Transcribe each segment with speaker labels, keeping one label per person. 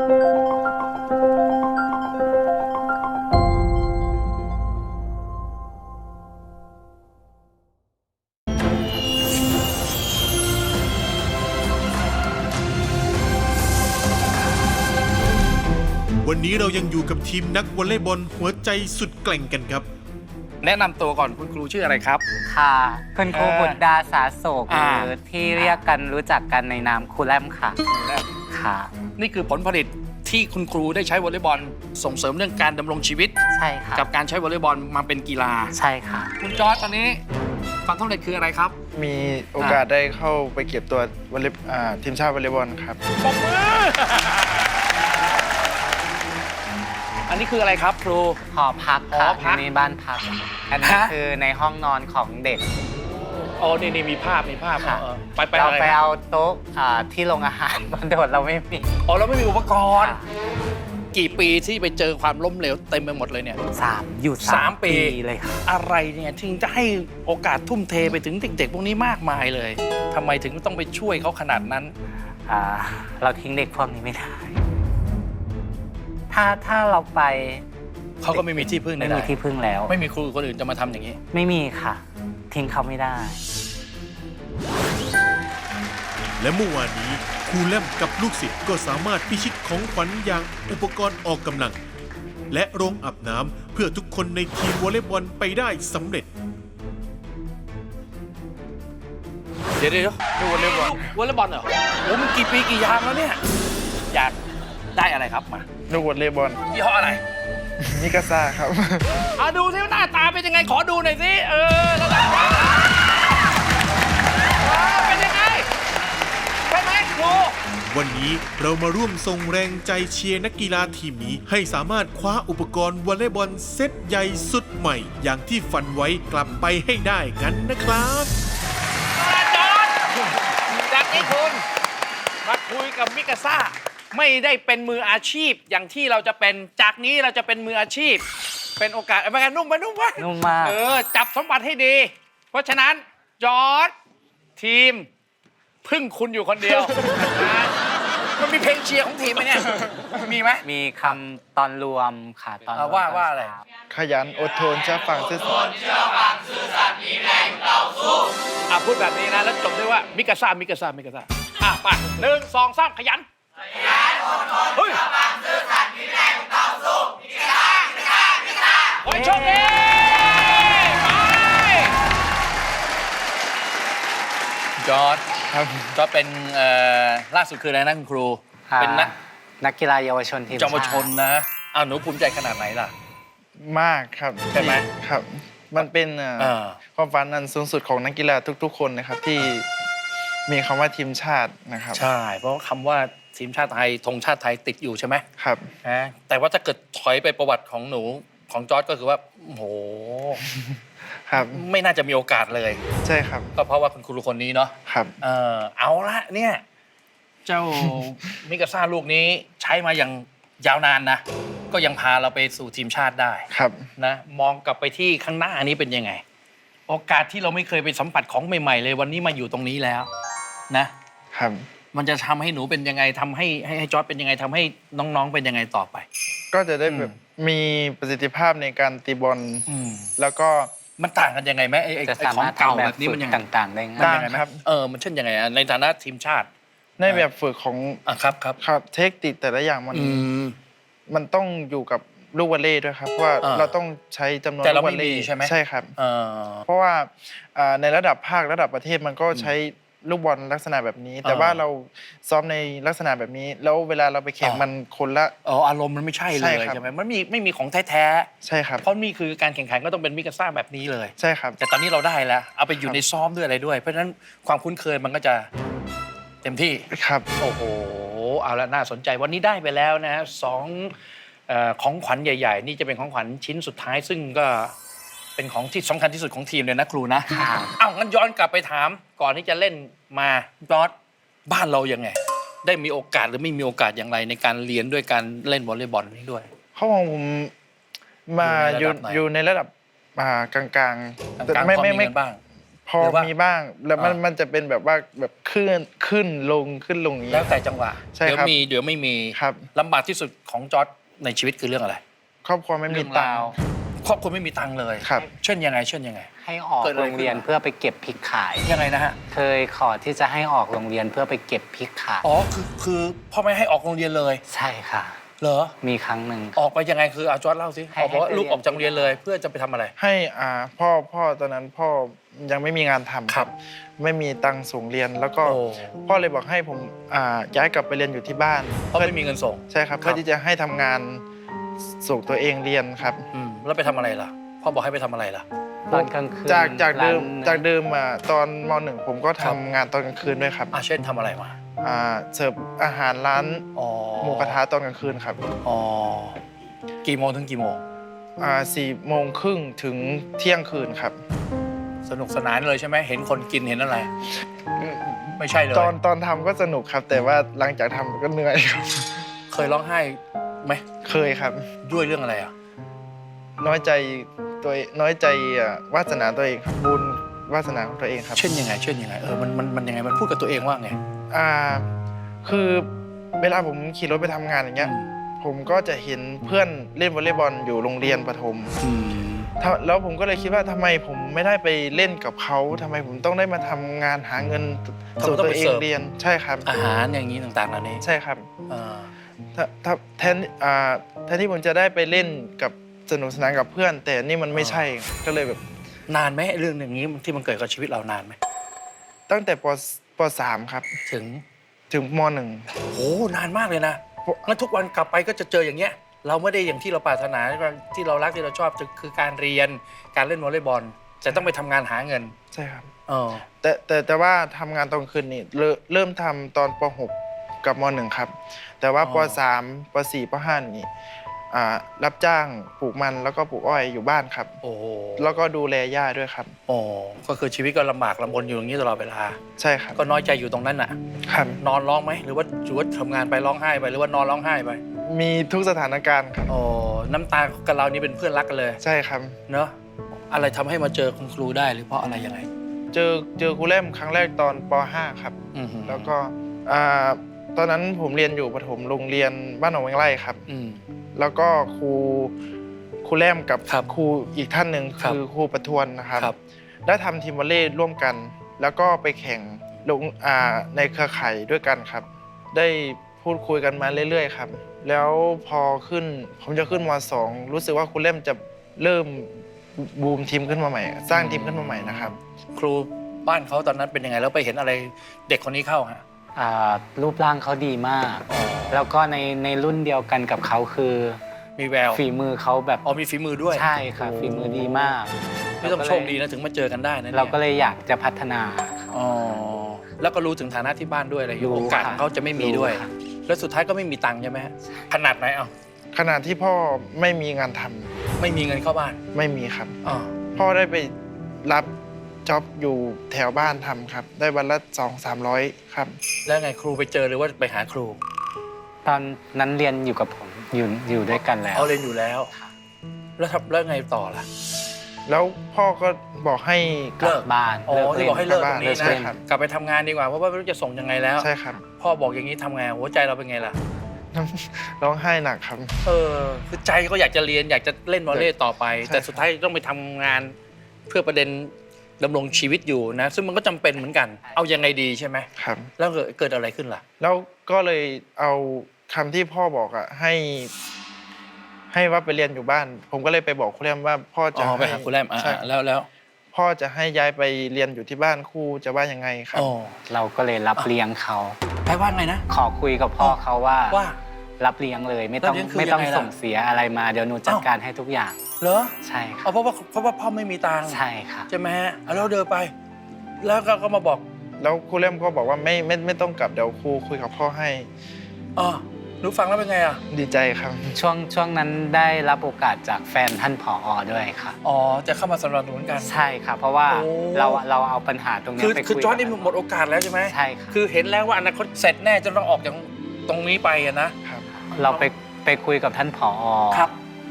Speaker 1: วันนี้เรายังอยู่กับทีมนักวอลเลย์บอลหัวใจสุดแกร่งกันครับ
Speaker 2: แนะนำตัวก่อนคุณครูชื่ออะไรครับ
Speaker 3: ค่ะคุณครูบุตรดาสาโศกหรือที่เรียกกันรู้จักกันในนามครูแรมค่ะค่ะ
Speaker 2: นี่คือผลผลิตที่คุณครูได้ใช้วอลเลย์บอลส่งเสริมเรื่องการดำรงชีวิต
Speaker 3: ใช่ค่ะ
Speaker 2: กับการใช้วอลเลย์บอลมาเป็นกีฬา
Speaker 3: ใช่ค่ะ
Speaker 2: คุณจอร์จตอนนี้ความสำเร็จคืออะไรครับ
Speaker 4: มีโอกาสได้เข้าไปเก็บตัววอลเลย์ทีมชาติวอลเลย์บอลครับ
Speaker 2: ปรบมืออันนี้คืออะไรครับครู
Speaker 3: หอพักค่ะในบ้านพักอันนี้คือในห้องนอนของเด็ก
Speaker 2: อ๋อนี่มีภาพ
Speaker 3: ค่ะ
Speaker 2: ไป
Speaker 3: เราไปเอาโต๊ะที่โรงอาหารมาโดดเราไม่มี
Speaker 2: อ๋อเราไม่มีอุปกรณ์กี่ปีที่ไปเจอความล้มเหลวเต็มไปหมดเลยเนี่ย
Speaker 3: 3 ปีเลยค่ะ
Speaker 2: อะไรเนี่ยถึงจะให้โอกาสทุ่มเทไปถึงเด็กๆพวกนี้มากมายเลยทำไมถึงต้องไปช่วยเขาขนาดนั้น
Speaker 3: เราทิ้งเด็กพวกนี้ไม่ได้ถ้าเราไป
Speaker 2: เขาก็ไม่มีที่พึ่ง
Speaker 3: ไม่มีที่พึ่งแล้ว
Speaker 2: ไม่มีครูคนอื่นจะมาทำอย่างนี้
Speaker 3: ไม่มีค่ะทิ้งเขาไม่ได้
Speaker 1: และเมื่อวานนี้ครูแลมกับลูกศิษย์ก็สามารถพิชิตของขวัญอย่างอุปกรณ์ออกกำลังและโรงอาบน้ำเพื่อทุกคนในทีมวอลเลย์บอลไปได้สำเร็จ
Speaker 2: เดี๋ยวดูวอลเลย์บอลเหรอโอ้มันกี่ปีกี่ยามแล้วเนี่ยอยากได้อะไรครับมา
Speaker 4: ลูกวอลเลย์บอล
Speaker 2: ยี่ห้ออะไร
Speaker 4: มิกาซ่าครับ
Speaker 2: ดูซิว่าหน้าตาเป็นยังไงขอดูหน่อยสิระดับเป็นยังไงใช่ไหมครู
Speaker 1: วันนี้เรามาร่วมส่งแรงใจเชียร์นักกีฬาทีมนี้ให้สามารถคว้าอุปกรณ์วอลเลย์บอลเซตใหญ่สุดใหม่อย่างที่ฝันไว้กลับไปให้ได้กันนะครับ
Speaker 2: จอร์จจากนี้คุณมาคุยกับมิกาซ่าไม่ได้เป็นมืออาชีพอย่างที่เราจะเป็นจากนี้เราจะเป็นมืออาชีพเป็นโอกาสเป็นการนุ่ม
Speaker 3: มาก
Speaker 2: จับสมบัติให้ดีเพราะฉะนั้นจอร์จทีมพึ่งคุณอยู่คนเดียวมันมีเพลงเชียร์ของทีมไหมเนี่ยมีไหม
Speaker 3: มีคำตอนรวมค่ะตอน
Speaker 2: ว่าอะไร
Speaker 4: ขยันอดทนเชื่อฟังซื่อสัตย์
Speaker 2: มีแรงต่อสู้พูดแบบนี้นะแล้วจบด้วยว่ามิกาซ่าไป1 2 3ขยันอดทนเชื่อฟังซื่อสัตย์มีแรงต่อสู้มิกาซ่าโอ้ยโชคดีจอร์จ
Speaker 4: ครับ
Speaker 2: ก็เป็นล่าสุดคืออะไรนะคุณครูเป็น
Speaker 3: นักกีฬาเยาวชนทีม
Speaker 2: เยาวชนนะหนูภูมิใจขนาดไหนล่ะ
Speaker 4: มากครับ
Speaker 2: ใช่ไหม
Speaker 4: ครับมันเป็นความฝันอันสูงสุดของนักกีฬาทุกๆคนนะครับที่มีคำว่าทีมชาตินะครับ
Speaker 2: ใช่เพราะคำว่าทีมชาติไทยธงชาติไทยติดอยู่ใช่ไหม
Speaker 4: ครับ
Speaker 2: แต่ว่าถ้าเกิดถอยไปประวัติของหนูของจอร์จก็คือว่าโห
Speaker 4: ครับ
Speaker 2: ไม่น่าจะมีโอกาสเลย
Speaker 4: ใช่ครับ
Speaker 2: ก็เพราะว่าคุณครูคนนี้เนาะ
Speaker 4: ครับ
Speaker 2: เอาละเนี่ยเจ้ามิกาซ่าลูกนี้ใช้มาอย่างยาวนานนะก็ยังพาเราไปสู่ทีมชาติได้
Speaker 4: ครับ
Speaker 2: นะมองกลับไปที่ข้างหน้านี้เป็นยังไงโอกาสที่เราไม่เคยไปสัมผัสของใหม่ๆเลยวันนี้มาอยู่ตรงนี้แล้วนะครับมันจะทำให้หนูเป็นยังไงทำให้จอร์จเป็นยังไงทำให้น้องๆเป็นยังไงต่อไป
Speaker 4: ก็จะได้แบบมีประสิทธิภาพในการตีบอลแล้วก็
Speaker 2: มันต่างกันยังไงไหมไอ้ของเก่าแบบนี้มันยัง
Speaker 3: ต่างๆได้ไง
Speaker 4: ครับ
Speaker 2: มันเช่นยังไงในฐานะทีมชาติ
Speaker 4: ในแบบฝึกของ
Speaker 2: ครับ
Speaker 4: เทคนิคแต่ละอย่างมันต้องอยู่กับลูกวอลเลย์ด้วยครับเพราะว่าเราต้องใช้จำนวนลูกวอลเลย์
Speaker 2: ใช่ไหม
Speaker 4: ใช่ครับเพราะว่าในระดับภาคระดับประเทศมันก็ใช้ลูกบอลลักษณะแบบนี้แต่ว่าเราซ้อมในลักษณะแบบนี้แล้วเวลาเราไปแข่งมันคนละ
Speaker 2: อารมณ์มันไม่ใช่เลยใช่ไหมมันไม่มีของแท้
Speaker 4: ๆใช่ครับ
Speaker 2: เพราะนี่คือการแข่งขันก็ต้องเป็นมิกาซ่าแบบนี้เลย
Speaker 4: ใช่ครับ
Speaker 2: แต่ตอนนี้เราได้แล้วเอาไปอยู่ในซ้อมด้วยอะไรด้วยเพราะฉะนั้นความคุ้นเคยมันก็จะเต็มที่
Speaker 4: ครับ
Speaker 2: โอ้โหเอาละน่าสนใจวันนี้ได้ไปแล้วนะของขวัญใหญ่ๆนี่จะเป็นของขวัญชิ้นสุดท้ายซึ่งก็เป็นของที่สำคัญที่สุดของทีมเลยนะครูนะงั้นย้อนกลับไปถามก่อนที่จะเล่นมาจอร์จบ้านเรายังไงได้มีโอกาสหรือไม่มีโอกาสอย่างไรในการเรียนด้วยการเล่นวอลเลย์บอลนี้ด้วย
Speaker 4: เขาของผมมาอยู่ในระดับกลางๆ
Speaker 2: ไม่บ้าง
Speaker 4: พอ
Speaker 2: หรือว่า
Speaker 4: มีบ้างแล้วมัน
Speaker 2: อ่ามั
Speaker 4: มันจะเป็นแบบว่าแบบขึ้นลงอย่างนี้
Speaker 2: แล้วแต่จังหวะ
Speaker 4: ใช่
Speaker 2: เดี๋ยว
Speaker 4: ครับ
Speaker 2: มีเดี๋ยวไม่มี
Speaker 4: ครับ
Speaker 2: ลำบากที่สุดของจอร์จในชีวิตคือเรื่องอะไร
Speaker 4: ครอบครัวไม่มี
Speaker 3: เรื่อง
Speaker 4: ตัง
Speaker 3: ราว
Speaker 4: ค์
Speaker 2: ครอบครัวไม่มีตังค์เลย
Speaker 4: ครับ
Speaker 2: เช่นยังไงเช่นยังไง
Speaker 3: ให้ออก
Speaker 2: เกิดอะไร
Speaker 3: โรงเรียน
Speaker 2: ขึ้นมา
Speaker 3: เพื่อไปเก็บพริกขาย
Speaker 2: ยังไงนะฮะ
Speaker 3: เคยขอที่จะให้ออกโรงเรียนเพื่อไปเก็บพริกขาย
Speaker 2: อ๋อคือพ่อไม่ให้ออกโรงเรียนเลย
Speaker 3: ใช่ค่ะ
Speaker 2: เหรอ
Speaker 3: มีครั้งหนึ่ง
Speaker 2: ออกไปยังไงคือเอาจอร์จเล่าสิ
Speaker 3: ให้
Speaker 2: ออกบอกว่า
Speaker 3: ให้ไป
Speaker 2: ลูกออกจากโรงเรียนเลย เพื่อจะไปทำอะไร
Speaker 4: ให้พ่อตอนนั้นพ่อยังไม่มีงานทำ
Speaker 2: ครับ
Speaker 4: ไม่มีตังค์ส่งเรียนแล้วก็
Speaker 2: โอ้
Speaker 4: พ่อเลยบอกให้ผมย้ายกลับไปเรียนอยู่ที่บ้าน
Speaker 2: เพราะไม่มีเงินส่ง
Speaker 4: ใช่ครับ
Speaker 2: ครับ
Speaker 4: เพื่อที่จะให้ทำงานส่งตัวเองเรียนครับ
Speaker 2: แล้วไปทำอะไรล่ะ พ่อบอกให้ไปทำอะไรล่ะ
Speaker 3: ตอนกลางคืน
Speaker 4: จากเดิม
Speaker 3: ร้น
Speaker 4: จากเดิมตอนม .1 ผมก็
Speaker 2: ครั
Speaker 4: ทำ
Speaker 2: บ
Speaker 4: งานตอนกลางคืนด้วยครับ
Speaker 2: เช่นทำอะไรมา
Speaker 4: เสิร์ฟอาหารร้าน
Speaker 2: อ๋อ
Speaker 4: หมูกระทะตอนกลางคืนครับ
Speaker 2: อ๋อกี่โมงถึงกี่โมง
Speaker 4: 4:30ถึงเที่ยงคืนครับ
Speaker 2: สนุกสนานเลยใช่ไหมเห็นคนกินเห็นอะไร ไม่ใช่เลย
Speaker 4: ตอนทำก็สนุกครับ แต่ว่าหลังจากทำก็เหนื่อยครับ
Speaker 2: เคยร้องไห้ไหม
Speaker 4: เคยครับ
Speaker 2: ด้วยเรื่องอะไรอ่ะ
Speaker 4: น้อยใจน้อยใจวาสนาตัวเองครับบุญวาสนาของตัวเองครับ
Speaker 2: เช่นยังไงมันยังไงมันพูดกับตัวเองว่าไง
Speaker 4: คือเวลาผมขี่รถไปทำงานอย่างเงี้ย ผมก็จะเห็นเพื่อนเล่นวอลเลย์บอลอยู่โรงเรียนประถมแล้วผมก็เลยคิดว่าทำไมผมไม่ได้ไปเล่นกับเขาทำไมผมต้องได้มาทำงานหาเงินส่งตัวเองเรียนใช่ครับ
Speaker 2: อาหารอย่างนี้ต่างๆเหล่านี้
Speaker 4: ใช่ครับ
Speaker 2: อ่า
Speaker 4: แทนที่ผมจะได้ไปเล่นกับสนุกสนานกับเพื่อน แต่นี่มันไม่ใช่ก็เลยแบบ
Speaker 2: นานไหมเรื่องอย่างนี้ที่มันเกิดกับชีวิตเรานานไหม
Speaker 4: ตั้งแต่ป .3 ครับ ถึงม
Speaker 2: โอ้นานมากเลยนะงั้นทุกวันกลับไปก็จะเจออย่างเงี้ย เราไม่ได้อย่างที่เราปรารถนาที่เรารักที่เราชอบคือการเรียนการเล่นวอลเลย์บอลแต่ต้องไปทำงานหาเงิน
Speaker 4: .1 ใช่ครับ
Speaker 2: เออ
Speaker 4: แต่ว่าทำงานตอนคืนนี่เริ่มทำตอนป .6 กับม .1 ครับ แต่ว่าป .3 ป .4 ป .5 นี่รับจ้างปลูกมันแล้วก็ปลูกอ้อยอยู่บ้านครับ
Speaker 2: โอ้โห
Speaker 4: แล้วก็ดูแลย่าด้วยครับ
Speaker 2: โอ้ก็คือชีวิตก็ลำบากลำบนอยู่อย่างนี้ตลอดเวลา
Speaker 4: ใช่ครับ
Speaker 2: ก็น้อยใจอยู่ตรงนั้นน่ะ
Speaker 4: ครับ
Speaker 2: นอนร้องไหมหรือว่าทำงานไปร้องไห้ไปหรือว่านอนร้องไห้ไป
Speaker 4: มีทุกสถานการณ์ครับ
Speaker 2: โอ้น้ำตากับเรานี่เป็นเพื่อนรักกันเลย
Speaker 4: ใช่ครับ
Speaker 2: เนอะอะไรทำให้มาเจอคุณครูได้หรือเพราะอะไรยังไง
Speaker 4: เจอครูเล่มครั้งแรกตอนป .5 ครับ แล้วก็ตอนนั้นผมเรียนอยู่ประถมโรงเรียนบ้านหนองแวงไร่ครับ แล้วก็ครูแรมกับ
Speaker 2: ครับ
Speaker 4: ครูอีกท่านหนึ่ง
Speaker 2: ครับ
Speaker 4: คือครูประทวนนะครับ
Speaker 2: ครับ
Speaker 4: ได้ทำทีมวอลเลย์ร่วมกัน แล้วก็ไปแข่งลงในเครือข่ายด้วยกันครับ ได้พูดคุยกันมาเรื่อยๆครับ แล้วพอผมจะขึ้นม .2 รู้สึกว่าครูเล่มจะเริ่มบูมทีมขึ้นมาใหม่ สร้างทีมขึ้นมาใหม่นะครับ
Speaker 2: ครูบ้านเขาตอนนั้นเป็นยังไงแล้วไปเห็นอะไรเด็กคนนี้เข้าฮะ
Speaker 3: รูปร่างเขาดีมาก แล้วก็ในรุ่นเดียวกันกับเขาคือ
Speaker 2: มีแวว
Speaker 3: ฝีมือเขาแบบ
Speaker 2: อ๋อมีฝีมือด้วย
Speaker 3: ใช่ค่ะฝีมือดีมาก
Speaker 2: นี่ต้องโชคดีนะถึงมาเจอกันได้นะนี่ย
Speaker 3: เราก็เลยอยากจะพัฒนาเขา
Speaker 2: อ๋อแล้วก็รู้ถึงฐานะที่บ้านด้วยอะไรอย่างเงี้ย
Speaker 3: รู้
Speaker 2: โอกาส
Speaker 3: ค่ะ
Speaker 2: ของเขาจะไม่มีด้วย
Speaker 3: รู้ค่ะ
Speaker 2: แล้วสุดท้ายก็ไม่มีตังค์ใช่ไหมฮะขนาดไหนเอา
Speaker 4: ขณะที่พ่อไม่มีงานทำ
Speaker 2: ไม่มีเงินเข้าบ้าน
Speaker 4: ไม่มีครับ
Speaker 2: อ๋อ
Speaker 4: พ่อได้ไปรับจ็อบอยู่แถวบ้านทำครับ ได้วันละ200-300ครับ
Speaker 2: แล้วไงครูไปเจอหรือว่าไปหาครู
Speaker 3: ตอนนั้นเรียนอยู่กับผมอยู่ด้วยกันแล้ว
Speaker 2: เอาเรียนอยู่แล้ว
Speaker 3: ค่ะ
Speaker 2: แล้วไงต่อล่ะ
Speaker 4: แล้วพ่อก็บอกให้
Speaker 3: กลับบ้าน
Speaker 2: อ๋อ
Speaker 3: เลิก
Speaker 2: ที่
Speaker 3: เล่น
Speaker 2: บอกให้เลิกตรงนี้
Speaker 4: ใช่
Speaker 2: นะครับ กลับไปทำงานดีกว่าเพราะว่าไม่รู้จะส่งยังไงแล้ว
Speaker 4: ใช่ครับ
Speaker 2: พ่อบอกอย่างนี้ทำไงหัวใจเราเป็นไงล่ะ
Speaker 4: ร้องไห้หนักครับ
Speaker 2: คือใจก็อยากจะเรียนอยากจะเล่นวอลเลย์ต่อไป
Speaker 4: ใช่
Speaker 2: แต่สุดท้ายต้องไปทำงานเพื่อประเด็นดำรงชีวิตอยู่นะ ซึ่งมันก็จำเป็นเหมือนกัน เอายังไงดีใช่ไหม
Speaker 4: ครับ
Speaker 2: แล้วเกิดอะไรขึ้นล่ะ
Speaker 4: แล้วก็เลยเอาคำที่พ่อบอกให้ว่าไปเรียนอยู่บ้าน ผมก็เลยไปบอกครูแรมว่าพ่อจะ
Speaker 2: อ๋อไปหาครูแรม
Speaker 4: ใช่
Speaker 2: แล้ว
Speaker 4: พ่อจะให้ย้ายไปเรียนอยู่ที่บ้านครูจะว่ายังไงครับ
Speaker 2: อ๋อ
Speaker 3: เราก็เลยรับเลี้ยงเขา
Speaker 2: แปลว่าไงนะ
Speaker 3: ขอคุยกับพ่อเขาว่า
Speaker 2: ว่า
Speaker 3: รับเลี้ยงเลยไม่ต้อง
Speaker 2: รับเลี้ยงคือ
Speaker 3: ไม่ต้อง
Speaker 2: ยังไงล่ะ
Speaker 3: ส่งเสียอะไรมาเดี๋ยวหนูจัดการให้ทุกอย่าง
Speaker 2: เหรอ
Speaker 3: ใช่ครั
Speaker 2: เอา
Speaker 3: บ
Speaker 2: เพราะว่าพ่อไม่มีตังค์
Speaker 3: ใช่ค่ะ
Speaker 2: ใช่ไหมฮะเอาแล้วเดินไป แล้วก็มาบอก
Speaker 4: แล้วครูเล่มก็บอกว่าไม่ต้องกลับเดี๋ยวครูคุยกับพ่อให้
Speaker 2: อ๋อหนูฟังแล้วเป็นไงอ่ะ
Speaker 4: ดีใจครับ
Speaker 3: ช่วงนั้นได้รับโอกาสจากแฟนท่านผอด้วยค่ะ
Speaker 2: อ๋อจะเข้ามาสนับสนุนกัน
Speaker 3: ใช่ค่ะเพราะว่า
Speaker 2: โอ้
Speaker 3: เราเอาปัญหาตรงเนี้ยไป
Speaker 2: คือ
Speaker 3: คุย
Speaker 2: จอร์จ
Speaker 3: กับ
Speaker 2: นี่หมดโอกาสแล้วใช่ไหม
Speaker 3: ใช่ค่ะ
Speaker 2: คือเห็นแล้วว่าอนาคตเสร็จแน่จะต้องออกจากตรงนี้ไปอะนะ
Speaker 4: ครับ
Speaker 3: เราไปคุยกับท่านผอ
Speaker 2: ครับ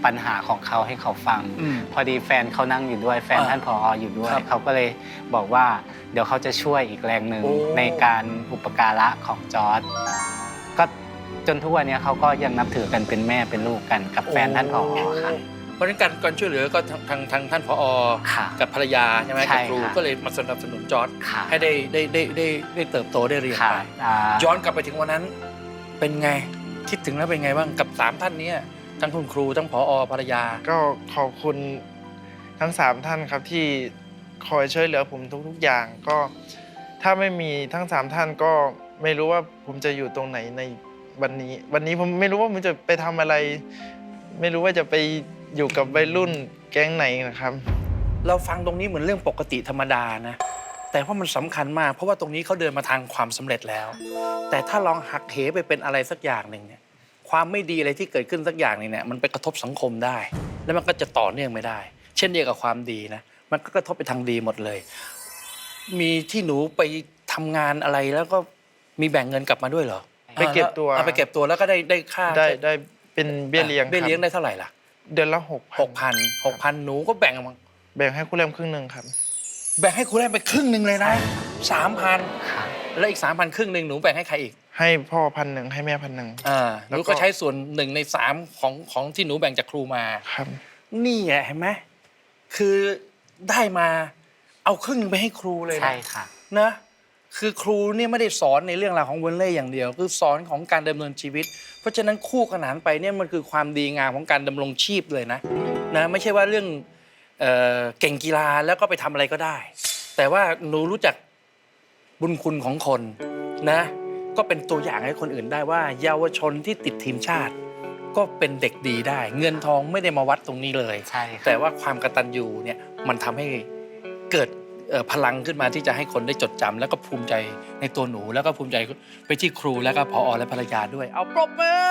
Speaker 3: ปัญหาของเขาให้เขาฟัง พอดีแฟนเขานั่งอยู่ด้วยแฟนท่านผออยู่ด้วย เขาก็เลยบอกว่าเดี๋ยวเขาจะช่วยอีกแรงหนึ่งในการอุปการะของจอร์จก็จนทุกวันนี้เขาก็ยังนับถือกันเป็นแม่เป็นลูกกันกับแฟนท่านผอค่ะ
Speaker 2: เพราะฉะนั้นการช่วยเหลือก็ทางท่านผอ
Speaker 3: ค่ะ
Speaker 2: กับภรรยาใช่ไหม
Speaker 3: ใช่
Speaker 2: กับครู
Speaker 3: ค่ะ
Speaker 2: ก็เลยมาสนับสนุนจอร์จ
Speaker 3: ค่ะ
Speaker 2: ให้ได้เติบโตได้เรียน
Speaker 3: ค่ะ
Speaker 2: ไปย้อนกลับไปถึงวันนั้นเป็นไงคิดถึงแล้วเป็นไงบ้างกับ3ท่านนี้ทั้งคุณครูทั้งผอภรรยา
Speaker 4: ก็ขอบคุณทั้ง3ท่านครับที่คอยช่วยเหลือผมทุกๆอย่างก็ถ้าไม่มีทั้ง3ท่านก็ไม่รู้ว่าผมจะอยู่ตรงไหนในวันนี้ผมไม่รู้ว่าผมจะไปทำอะไร ไม่รู้ว่าจะไปอยู่กับวัยรุ่นแก๊งไหนนะครับ
Speaker 2: เราฟังตรงนี้เหมือนเรื่องปกติธรรมดานะแต่ว่ามันสำคัญมากเพราะว่าตรงนี้เขาเดินมาทางความสำเร็จแล้ว แต่ถ้าลองหักเหไปเป็นอะไรสักอย่างหนึ่งเนี่ยความไม่ดีอะไรที่เกิดขึ้นสักอย่างหนึงเนี่ยมันไปกระทบสังคมได้ แล้วมันก็จะต่อเนื่องไม่ได้ เช่นเดียวกับความดีนะมันก็กระทบไปทางดีหมดเลย มีที่หนูไปทำงานอะไรแล้วก็มีแบ่งเงินกลับมาด้วยเหรอ
Speaker 4: ไปเก็บตัว
Speaker 2: ไปเก็บตัวแล้วก็ได้ค่า
Speaker 4: ได้เป็นเบี้ยเลี้ยง
Speaker 2: เบี้ยเลี้ยง
Speaker 4: ครับ
Speaker 2: ได้เท่าไหร่ล่ะ
Speaker 4: เดือนละ
Speaker 2: 6,000หนูก็แบ่งมา
Speaker 4: แบ่งให้คุณแรมครึ่งหนึ่งครับ
Speaker 2: แบ่งให้คุณแรมไปครึ่งหนึ่งเลยนะ3,000แล้วอีก3,000ครึ่งหนึ่งหนูแบ่งให้ใครอีก
Speaker 4: ให้พ่อ1,000ให้แม่1,000
Speaker 2: หนูก็ใช้ส่วน1 ใน 3ของที่หนูแบ่งจากครูมา
Speaker 4: ครับ
Speaker 2: นี่ไงเห็นไหมคือได้มาเอาครึ่งหนึงไปให้ครูเลยนะ
Speaker 3: ใช่ค่ะ
Speaker 2: นะคือครูเนี่ยไม่ได้สอนในเรื่องราวของวอลเลย์อย่างเดียว คือสอนของการดำเนินชีวิต เพราะฉะนั้นคู่ขนานไปเนี่ยมันคือความดีงามของการดำรงชีพเลยนะไม่ใช่ว่าเรื่องเก่งกีฬาแล้วก็ไปทำอะไรก็ได้ แต่ว่าหนูรู้จักบุญคุณของคนนะก็เป็นตัวอย่างให้คนอื่นได้ว่า เยาวชนที่ติดทีมชาติ ก็เป็นเด็กดีได้ เงินทองไม่ได้มาวัดตรงนี้เลย
Speaker 3: ใช่ค่ะ
Speaker 2: แต่ว่าความกตัญญูเนี่ยมันทำให้เกิดพลังขึ้นมาที่จะให้คนได้จดจำแล้วก็ภูมิใจในตัวหนู แล้วก็ภูมิใจไปที่ครูแล้วก็ผอและภรรยาด้วย เอาปรบมือ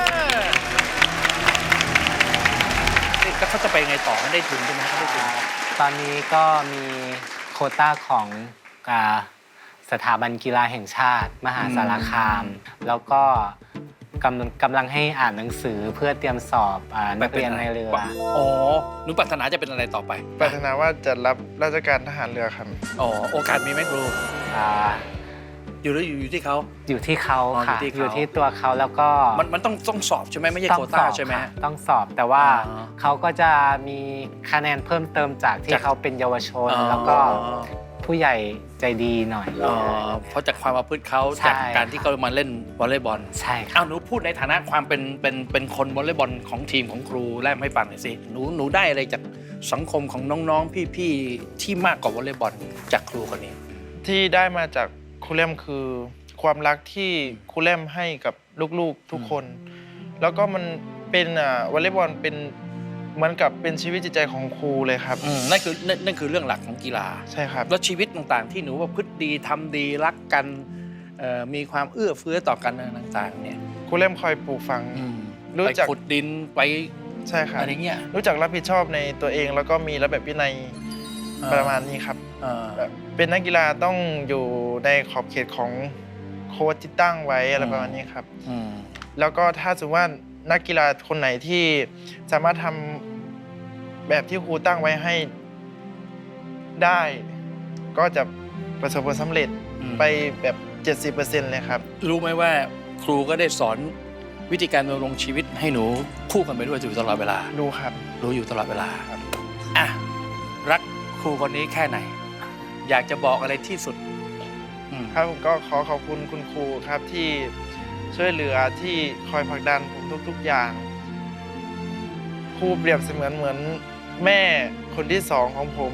Speaker 2: แล้วเขาจะไปไงต่อได้ทุนใช่ไหมเขาได้ทุน
Speaker 3: ตอนนี้ก็มีโควต้าของสถาบันกีฬาแห่งชาติ มหาสารคาม แล้วก็กำลังให้อ่านหนังสือเพื่อเตรียมสอบนักเรียนในเรือ
Speaker 2: อ๋อหนูปรารถนาจะเป็นอะไรต่อไป
Speaker 4: ปรารถนาว่าจะรับราชการทหารเรือครับ
Speaker 2: อ๋อโอกาสมีไหมครู
Speaker 3: อ่า
Speaker 2: อยู่ที่เขา
Speaker 3: อยู่ที่เขา
Speaker 2: อ๋อ
Speaker 3: ค่ะ
Speaker 2: อยู่ที่เขา
Speaker 3: อยู่ที่ตัวเขาแล้วก็
Speaker 2: มันต้องสอบใช่ไหมไม่ใช่
Speaker 3: ต้อ
Speaker 2: โคว
Speaker 3: งส
Speaker 2: ต้า
Speaker 3: อบ
Speaker 2: ใช่ไหม
Speaker 3: ค่ะต้องสอบแต่ว่า
Speaker 2: อ๋อ
Speaker 3: เขาก็จะมีคะแนนเพิ่มเติมจากที่
Speaker 2: จาก
Speaker 3: เขาเป็นเยาวชน
Speaker 2: อ๋อ
Speaker 3: แล้วก็ผู้ใหญ่ใจดีหน่อย
Speaker 2: เพราะจากความประพฤติเขา
Speaker 3: ใช่
Speaker 2: จากการที่เขามาเล่นวอลเลย์บอล
Speaker 3: ใช่ค่ะ
Speaker 2: เอาหนูพูดในฐานะความเป็นคนวอลเลย์บอลของทีมของครูแลมให้ฟังหน่อยสิหนูได้อะไรจากสังคมของน้องๆพี่ๆที่มากกว่าวอลเลย์บอลจากครูคนนี้
Speaker 4: ที่ได้มาจากครูแรมคือความรักที่ครูแรมให้กับลูกๆทุกคน แล้วก็มันเป็นวอลเลย์บอลเป็นเหมือนกับเป็นชีวิตจิตใจของครูเลยครับ
Speaker 2: นั่นคือเรื่องหลักของกีฬา
Speaker 4: ใช่ครับ
Speaker 2: แล้วชีวิตต่างๆ ที่หนูว่าพฤติดีทำดีรักกันมีความเอื้อเฟื้อต่อกันต่างๆเนี่ย
Speaker 4: ครูแรมคอยปลูกฝัง รู้
Speaker 2: ไป
Speaker 4: จัก
Speaker 2: ขุดดินไป
Speaker 4: ใช่ครับ
Speaker 2: อะไรเงี้ย
Speaker 4: รู้จักรับผิดชอบในตัวเองแล้วก็มีระเบียบวินัยประมาณนี้ครับ แบบเป็นนักกีฬาต้องอยู่ในขอบเขตของโค้ชที่ตั้งไว้อะไรประมาณนี้ครับ แล้วก็ถ้าสมมติว่านักกีฬาคนไหนที่สามารถทำแบบที่ครูตั้งไว้ให้ได้ ก็จะประสบผลสำเร็จไปแบบ 70% เลยครับ
Speaker 2: รู้ไหมว่าครูก็ได้สอนวิธีการดำรงชีวิตให้หนูคู่กันไปด้วยอยู่ตลอดเวลา
Speaker 4: รู้ครับ
Speaker 2: รู้อยู่ตลอดเวลาอ่ะรักครูคนนี้แค่ไหน อยากจะบอกอะไรที่สุด
Speaker 4: ครับผมก็ขอขอบคุณคุณครูครับที่ช่วยเหลือที่คอยผลักดันผมทุกๆอย่างครูเปรียบเสมือนเหมือนแม่คนที่สองของผม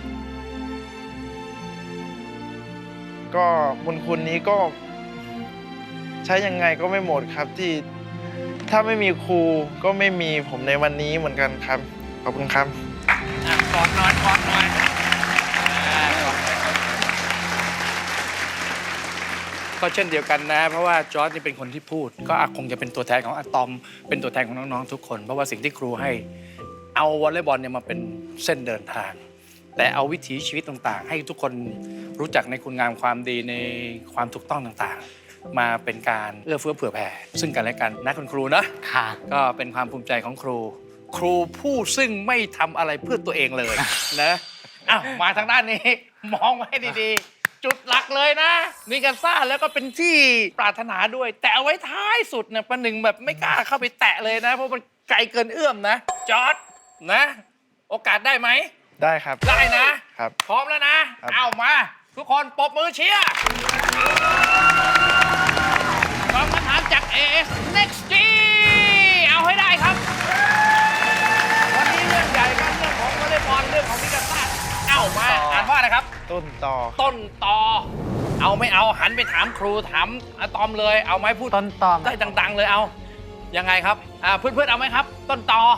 Speaker 4: ก็บุญคุณนี้ก็ใช้ยังไงก็ไม่หมดครับที่ถ้าไม่มีครูก็ไม่มีผมในวันนี้เหมือนกันครับขอบคุณครับ
Speaker 2: กอดหน่อยก็เช่นเดียวกันนะ เพราะว่าจอร์จนี่เป็นคนที่พูด ก็คงจะเป็นตัวแทนของอะตอม เป็นตัวแทนของน้องๆทุกคน เพราะว่าสิ่งที่ครูให้เอาวอลเลย์บอลเนี่ยมาเป็นเส้นเดินทาง แต่เอาวิถีชีวิตต่างๆ ให้ทุกคนรู้จักในคุณงามความดีในความถูกต้องต่างๆ มาเป็นการเอื้อเฟื้อเผื่อแผ่ซึ่งกันและกันนะคุณครูนะ
Speaker 3: ค่ะ
Speaker 2: ก็เป็นความภูมิใจของครูครูผู้ซึ่งไม่ทำอะไรเพื่อตัวเองเลยนะอ้าวมาทางด้านนี้ มองไว้ดีๆ จุดหลักเลยนะมีการซ่าแล้วก็เป็นที่ปรารถนาด้วย แต่เอาไว้ท้ายสุดเนี่ยประหนึ่งแบบไม่กล้าเข้าไปแตะเลยนะ เพราะมันไกลเกินเอื้อมนะ จอร์จนะ โอกาสได้ไหม
Speaker 4: ได้ครับ
Speaker 2: ได้นะ
Speaker 4: ครับ
Speaker 2: พร้อมแล้วนะ
Speaker 4: ครับ
Speaker 2: เอามา ทุกคนปรบมือเชียร์ฟังคำถามจาก AS Next G เอาให้ได้ครับ วันนี้เรื่องใหญ่กันเรื่องของวอลเลย์บอลเรื่องของมิกาซ่าเอามาอ่านว่าอะไรครับ
Speaker 4: ต้นต่อ
Speaker 2: ต้นตอเอาไม่เอาหันไปถามครูถามอะตอมเลยเอาไหมพูด
Speaker 3: ต้นตอ
Speaker 2: ได้ดังๆเลยเอายังไงครับเพื่อนๆเอาไหมครับ ต้นตอ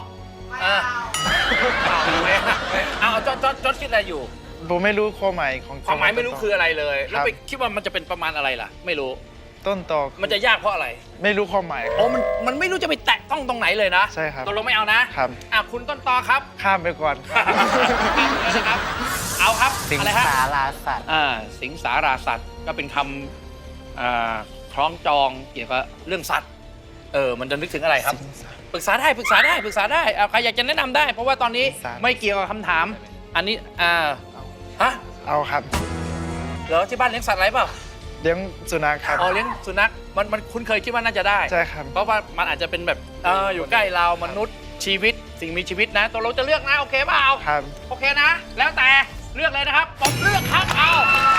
Speaker 2: เอาจดคิดอะไรอยู่
Speaker 4: ผมไม่รู้ความหมายของ
Speaker 2: ความหมายไม่รู้คืออะไรเลย
Speaker 4: ครับ
Speaker 2: แล้วไปคิดว่ามันจะเป็นประมาณอะไรล่ะ ไม่รู้
Speaker 4: ต้นต่อ
Speaker 2: มันจะยากเพราะอะไร
Speaker 4: ไม่รู้ความหมาย
Speaker 2: โอ้มันไม่รู้จะไปแตะต้องตรงไหนเลยนะ
Speaker 4: ใช่ครับ
Speaker 2: ตกลงไม่เอานะครับ คุณต้นตอครับ
Speaker 4: ข้ามไปก่อนครับ
Speaker 2: นะครับเอาครับ
Speaker 3: สิง
Speaker 2: อะไรฮะ
Speaker 3: สาราสัตว์
Speaker 2: สิงสาราสัตว์ก็เป็นคำคล้องจองเกี่ยวกับเรื่องสัตว์มันจะนึกถึงอะไรครับ ปรึกษาได้เอาใครอยากจะแนะนำได้ เพราะว่าตอนนี้
Speaker 4: ปรึกษา
Speaker 2: ไม่เกี่ยวกับคำถาม อันนี้ฮะ
Speaker 4: เอาครับ
Speaker 2: เหรอที่บ้านเลี้ยงสัตว์อะไรเปล่า
Speaker 4: เลี้ยงสุนัขครับ
Speaker 2: อ๋อเลี้ยงสุนัขมันคุณเคยคิดว่าน่าจะได้
Speaker 4: ใช่ครับ
Speaker 2: เพราะว่ามันอาจจะเป็นแบบอยู่ใกล้เรามนุษย์ชีวิตสิ่งมีชีวิตนะตัวเราจะเลือกนะโอเคเปล่า
Speaker 4: ครับ
Speaker 2: โอเคนะ แล้วแต่เลือกเลยนะครับผมเลือกครับเอา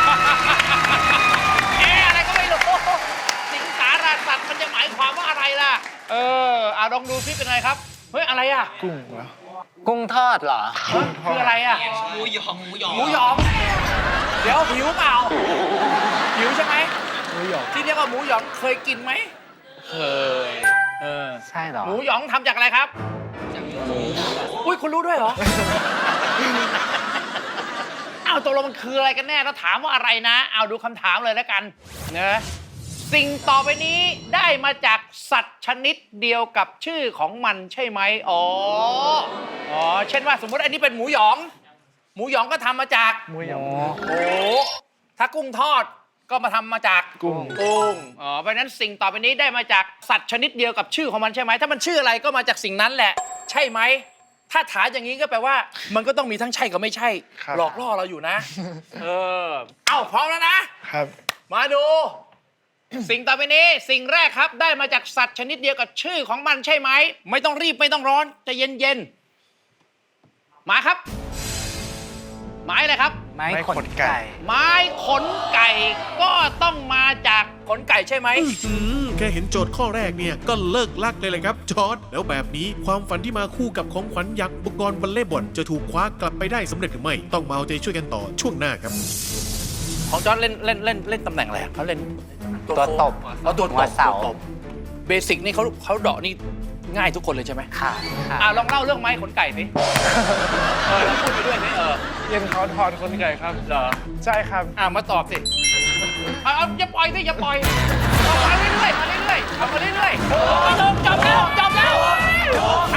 Speaker 2: อะไรก็ไม่รู้สิงสาราสัตว์มันจะหมายความว่าอะไรล่ะลองดูซิเป็นไงครับเฮ้ยอะไรอ่ะ
Speaker 4: กุ้งเหรอ
Speaker 3: กุ้งทอดเหรอ
Speaker 2: คืออะไรอ่ะหมูหยองเดี๋ยวหิวเปล่าหิวใช่ไหมหมูหยองที่เรียกว่าหมูหยองเคยกินไหมเคย
Speaker 3: ใช่เหรอ
Speaker 2: หมูหยองทำจากอะไรครับจากหมูอุ้ยคุณรู้ด้วยเหรอ เอาตกลงมันคืออะไรกันแน่แล้วถามว่าอะไรนะเอาดูคำถามเลยแล้วกันนะสิ่งต่อไปนี้ได้มาจากสัตว์ชนิดเดียวกับชื่อของมันใช่ไหมอ๋อเช่นว่าสมมติอันนี้เป็นหมูหยองหมูหยองก็ทำมาจาก
Speaker 4: หมูหยอง
Speaker 2: โอ้ถ้ากุ้งทอดก็มาทำมาจาก
Speaker 4: กุ้ง
Speaker 2: เพราะฉะนั้นสิ่งต่อไปนี้ได้มาจากสัตว์ชนิดเดียวกับชื่อของมันใช่ไหมถ้ามันชื่ออะไรก็มาจากสิ่งนั้นแหละ ใช่ไหมถ้าถามอย่างนี้ก็แปลว่า มันก็ต้องมีทั้งใช่กับไม่ใช่
Speaker 4: ครับ
Speaker 2: หลอกล่อเราอยู่นะ พร้อมแล้วนะ
Speaker 4: ครับ
Speaker 2: มาดู สิ่งต่อไปนี้สิ่งแรกครับได้มาจากสัตว์ชนิดเดียวกับชื่อของมันใช่ไหมไม่ต้องรีบไม่ต้องร้อนใจะเย็นๆมาครับไม้อะไรครับ
Speaker 3: ไม้ขนไก่
Speaker 2: ไม้ขนไก่ก็ต้องมาจากขนไก่ใช่ไหม
Speaker 1: แค่เห็นโจทย์ข้อแรกเนี่ยก็เลิกลักเลยเลยครับจอร์ดแล้วแบบนี้ความฝันที่มาคู่กับของขวัญยักษ์อุปกรณ์วอลเลย์บอลจะถูกคว้ากลับไปได้สำเร็จหรือไม่ต้องมาเอาใจช่วยกันต่อช่วงหน้าครับ
Speaker 2: ของจอร์จเล่นตำแหน่งอะไรอะเขาเล่น
Speaker 3: ตัวตบ
Speaker 2: ตัวต
Speaker 3: หัว
Speaker 2: บ
Speaker 3: เสา
Speaker 2: เบสิกนี่เขาเดาะนี่ง่ายทุกคนเลยใช่ไหม
Speaker 3: ค่ะค่ะ
Speaker 2: ลองเล่าเรื่องไม้ขนไก่สิแล้วพูดไปด้วยสิ
Speaker 4: เย็นเขาถอนคนไก่ครับ
Speaker 2: เหรอ
Speaker 4: ใช่ครับ
Speaker 2: มาตอบสิอย่าปล่อยสิอย่าปล่อยเอามาเรื่อยๆเอามาเรื่อยๆจบแล้ว